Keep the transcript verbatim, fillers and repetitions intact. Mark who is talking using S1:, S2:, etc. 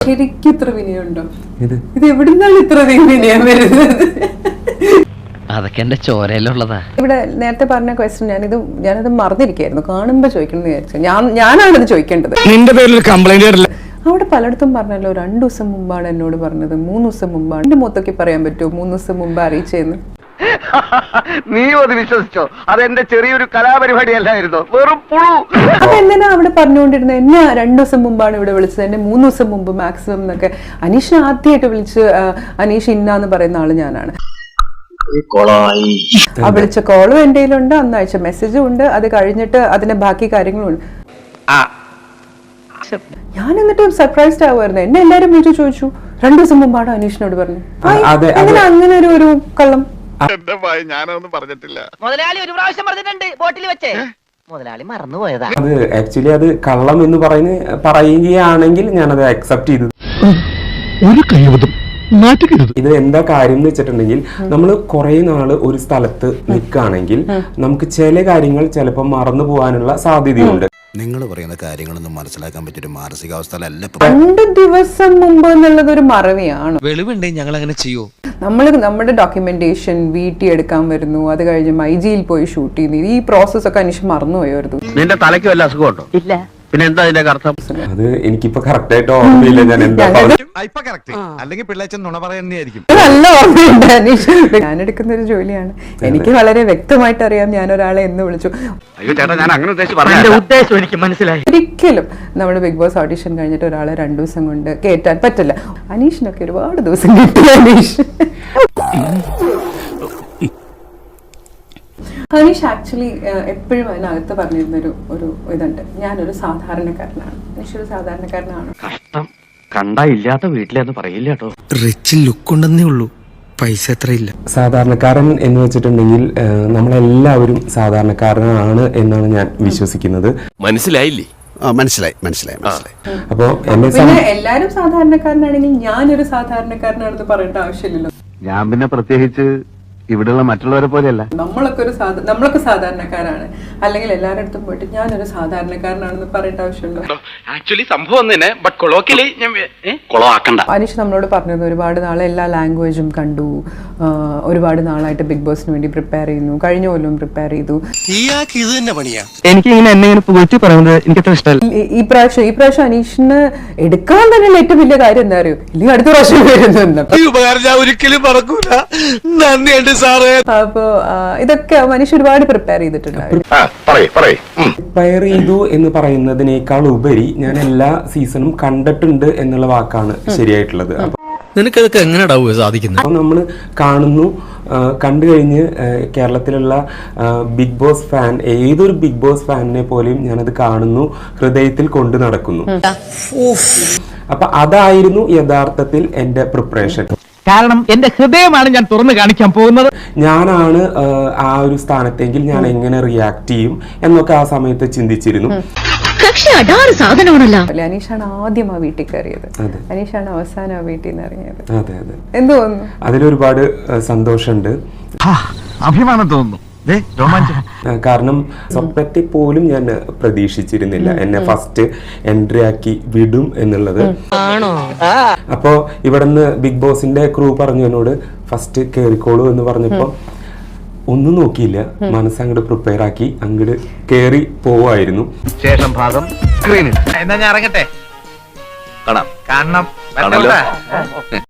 S1: ശരിക്കും ഇത്ര വിനയുണ്ടോ? ഇത് എവിടുന്നാണ് ഇത്ര വിനയം വരുന്നത്?
S2: അതൊക്കെ എന്റെ ചോരയിലുള്ളതാ.
S1: ഇവിടെ നേരത്തെ പറഞ്ഞ ക്വസ്റ്റ്യൻ ഞാനിത് ഞാനത് മറന്നിരിക്കായിരുന്നു. കാണുമ്പോ ചോദിക്കണം എന്ന് വിചാരിച്ചു. ഞാൻ ഞാനാണത് ചോദിക്കേണ്ടത്.
S3: നിന്റെ പേരിൽ കംപ്ലൈന്റ്
S1: അവിടെ പലയിടത്തും പറഞ്ഞല്ലോ, രണ്ടു ദിവസം മുമ്പാണ് എന്നോട് പറഞ്ഞത്, മൂന്ന് ദിവസം മുമ്പാണ്. എന്റെ മൊത്തൊക്കെ പറയാൻ പറ്റുമോ മൂന്ന് ദിവസം മുമ്പ് അറിയിച്ചെന്ന്?
S4: നീ അത് വിശ്വസിച്ചോ? അതെന്റെ ചെറിയൊരു കലാപരിപാടി അല്ലായിരുന്നോ? വെറും പുഴു.
S1: അപ്പൊ എന്തിനാ അവിടെ പറഞ്ഞുകൊണ്ടിരുന്നത്? എന്നെ രണ്ടു ദിവസം മുമ്പാണ് ഇവിടെ വിളിച്ചത്, എന്നെ മൂന്ന് ദിവസം മുമ്പ് മാക്സിമം എന്നൊക്കെ. അനീഷ് ആദ്യമായിട്ട് വിളിച്ച് അനീഷ് ഇന്നാന്ന് പറയുന്ന ആള് ഞാനാണ്. ആ വിളിച്ച കോളും എന്റെ കയ്യിലുണ്ട്, അന്ന് അയച്ച മെസ്സേജും ഉണ്ട്. അത് കഴിഞ്ഞിട്ട് അതിന്റെ ബാക്കി കാര്യങ്ങളും ഉണ്ട്. ഞാൻ എന്നിട്ട് സർപ്രൈസ്ഡ് ആവുമായിരുന്നു. എന്നെ എല്ലാരും വിളിച്ചു ചോദിച്ചു, രണ്ടു ദിവസം മുമ്പാണ് അനീഷിനോട് പറഞ്ഞു. എങ്ങനെ അങ്ങനെ ഒരു ഒരു കള്ളം?
S4: ഞാനൊന്നും പറഞ്ഞിട്ടില്ല.
S2: മുതലാളി ഒരു പ്രാവശ്യം പറഞ്ഞിട്ടുണ്ട് ബോട്ടിൽ വെച്ചേ. മുതലാളി മറന്നുപോയതാ.
S5: അത് ആക്ച്വലി അത് കള്ളം എന്ന് പറയുന്ന പറയുകയാണെങ്കിൽ ഞാനത് അക്സെപ്റ്റ് ചെയ്തു.
S3: ഒരു കൈവതം
S5: ഇത് എന്താ കാര്യം എന്ന് വെച്ചിട്ടുണ്ടെങ്കിൽ, നമ്മൾ കുറെ നാള് ഒരു സ്ഥലത്ത് നിൽക്കുകയാണെങ്കിൽ നമുക്ക് ചില കാര്യങ്ങൾ ചിലപ്പോൾ മറന്നു പോകാനുള്ള സാധ്യതയുണ്ട്.
S6: നിങ്ങൾ പറയുന്ന കാര്യങ്ങളൊന്നും മനസ്സിലാക്കാൻ പറ്റിയൊരു മാനസികാവസ്ഥ അല്ല.
S1: രണ്ട് ദിവസം മുമ്പ് എന്നുള്ളത് ഒരു മറവിയാണ്.
S3: വെളിവുണ്ടേ ഞങ്ങൾ അങ്ങനെ ചെയ്യൂ.
S1: നമ്മൾ നമ്മുടെ ഡോക്യുമെന്റേഷൻ വീട്ടിൽ എടുക്കാൻ വരുന്നു, അത് കഴിഞ്ഞ് മൈജിയിൽ പോയി ഷൂട്ട് ചെയ്യുന്നു. ഈ പ്രോസസ് ഒക്കെ അനീഷ് മറന്നുപോയായിരുന്നു.
S4: നിന്റെ തലയ്ക്ക് വല്ല അസുഖമുണ്ടോ? ഇല്ല. പിന്നെ എന്താ അതിന്റെ അർത്ഥം?
S5: അത് എനിക്കിപ്പോ കറക്റ്റ് ആയിട്ട് ഓർമ്മയില്ല ഞാൻ എന്താ
S6: അല്ലെങ്കിൽ പിള്ളേച്ചൻ നുണ പറയുന്നതായിരിക്കും.
S1: നല്ല ഓർമ്മയുണ്ട് അനീഷ്. ഞാൻ എടുക്കുന്ന ഒരു ജോലിയാണ്, എനിക്ക് വളരെ വ്യക്തമായിട്ട് അറിയാം ഞാൻ ഒരാളെ എന്ന് വിളിച്ചു.
S4: അയ്യോ ചേട്ടാ, ഞാൻ അങ്ങനെ ഉദ്ദേശിച്ചു ഉദ്ദേശം എനിക്ക് മനസ്സിലായി.
S1: ഒരിക്കലും നമ്മുടെ ബിഗ് ബോസ് ഓഡിഷൻ കഴിഞ്ഞിട്ട് ഒരാളെ രണ്ടു ദിവസം കൊണ്ട് കേറ്റാൻ പറ്റില്ല. അനീഷിനൊക്കെ ഒരുപാട് ദിവസം കിട്ടി. അനീഷ് അനീഷ് ആക്ച്വലി എപ്പോഴും അതിനകത്ത് പറഞ്ഞിരുന്നൊരു ഒരു ഇതുണ്ട്, ഞാനൊരു സാധാരണക്കാരനാണ്. അനീഷ് ഒരു സാധാരണക്കാരനാണ്.
S4: കഷ്ടം, കണ്ടാ ഇല്ലാത്ത വീട്ടിലെന്ന് പറയില്ല കേട്ടോ.
S3: റിച്ച് ലുക്ക് ഉണ്ടെന്നേ ഉള്ളൂ, പൈസ എത്രയില്ല.
S5: സാധാരണക്കാരൻ എന്ന് വെച്ചിട്ടുണ്ടെങ്കിൽ നമ്മളെല്ലാവരും സാധാരണക്കാരനാണ് എന്നാണ് ഞാൻ വിശ്വസിക്കുന്നത്.
S6: മനസ്സിലായില്ലേ? മനസ്സിലായി മനസ്സിലായി മനസ്സിലായി.
S5: അപ്പോ എന്നെ
S1: പിന്നെ എല്ലാരും സാധാരണക്കാരനാണെങ്കിൽ ഞാനൊരു സാധാരണക്കാരനാണെന്ന് പറയേണ്ട ആവശ്യമില്ലല്ലോ.
S4: ഞാൻ പിന്നെ പ്രത്യേകിച്ച് ഇവിടെയുള്ള മറ്റുള്ളവരെ പോലെയല്ല.
S1: നമ്മളൊക്കെ ഒരു നമ്മളൊക്കെ സാധാരണക്കാരാണ്, അല്ലെങ്കിൽ എല്ലാവരുടെ അടുത്തും പോയിട്ട് ഞാനൊരു സാധാരണക്കാരനാണെന്ന് പറയേണ്ട ആവശ്യമുണ്ടോ?
S4: ആക്ച്വലി സംഭവം തന്നെ, ബട്ട് കൊളോക്കിയലി ഞാൻ കൊളവാക്കണ്ട.
S1: അനീഷ് നമ്മളോട് പറഞ്ഞത് ഒരുപാട് നാളെ എല്ലാ ലാംഗ്വേജും കണ്ടു, ഒരുപാട് നാളായിട്ട് ബിഗ് ബോസിന് വേണ്ടി പ്രിപ്പയർ ചെയ്യുന്നു, കഴിഞ്ഞ കൊല്ലം പ്രിപ്പയർ ചെയ്തു.
S2: എനിക്ക് ഇങ്ങനെ എന്നെ ഇങ്ങനെ പുകഴ്ത്തി പറയുന്നത് എനിക്ക് അത്ര ഇഷ്ടമല്ല.
S1: ഈ പ്രാവശ്യം ഈ പ്രാവശ്യം അനീഷിന് എടുക്കാൻ തന്നെ ഏറ്റവും വലിയ കാര്യം എന്താ അറിയോ? ഇല്ലെങ്കിൽ അടുത്ത പ്രാവശ്യം വരുന്നുണ്ട്.
S3: ഒരിക്കലും മറക്കൂല. നന്ദിയുണ്ട് സാറേ.
S1: അപ്പൊ ഇതൊക്കെ മനുഷ്യ ഒരുപാട് പ്രിപ്പയർ ചെയ്തിട്ടുണ്ടായിരുന്നു.
S5: പ്രിപ്പയർ ചെയ്തു എന്ന് പറയുന്നതിനേക്കാൾ ഉപരി ഞാൻ എല്ലാ സീസണും കണ്ടിട്ടുണ്ട് എന്നുള്ള വാക്കാണ് ശരിയായിട്ടുള്ളത്.
S3: നിനക്കതൊക്കെ എങ്ങനെയാ സാധിക്കുന്നത്?
S5: അപ്പൊ നമ്മള് കാണുന്നു, കണ്ടു കഴിഞ്ഞ് കേരളത്തിലുള്ള ബിഗ് ബോസ് ഫാൻ, ഏതൊരു ബിഗ് ബോസ് ഫാനിനെ പോലെയും ഞാനത് കാണുന്നു, ഹൃദയത്തിൽ കൊണ്ടു നടക്കുന്നു. അപ്പൊ അതായിരുന്നു യഥാർത്ഥത്തിൽ എന്റെ പ്രിപ്പറേഷൻ.
S2: കാരണം എന്റെ ഹൃദയമാണ് ഞാൻ തുറന്നു കാണിക്കാൻ പോകുന്നത്.
S5: ഞാനാണ് ആ ഒരു സ്ഥാനത്തെങ്കിൽ ഞാൻ എങ്ങനെ റിയാക്ട് ചെയ്യും എന്നൊക്കെ ആ സമയത്ത് ചിന്തിച്ചിരുന്നു.
S1: അനീഷാണ് ആദ്യം ആ വീട്ടിൽ കയറിയത്, അനീഷാണ് അവസാനം ആ വീട്ടിൽ നിന്ന് ഇറങ്ങിയത്.
S5: അതെ അതെ,
S1: എന്ത് തോന്നുന്നു?
S5: അതിലൊരുപാട് സന്തോഷമുണ്ട്,
S4: അഭിമാനം തോന്നുന്നു.
S5: കാരണം സ്വപ്നത്തെ പോലും ഞാൻ പ്രതീക്ഷിച്ചിരുന്നില്ല എന്നെ ഫസ്റ്റ് എൻട്രി ആക്കി വിടും എന്നുള്ളത്. അപ്പോ ഇവിടുന്ന് ബിഗ് ബോസിന്റെ ക്രൂ പറഞ്ഞു എന്നോട് ഫസ്റ്റ് കേറിക്കോളൂ എന്ന് പറഞ്ഞപ്പോ ഒന്നും നോക്കിയില്ല, മനസ്സങ്ങോട്ട് പ്രിപ്പയർ ആക്കി അങ്ങോട്ട് കേറി പോവായിരുന്നു.
S4: ശേഷം ഭാഗം സ്ക്രീനിൽ. എന്നാ ഞാൻ ഇറങ്ങട്ടെ, കാണാം കാണണം.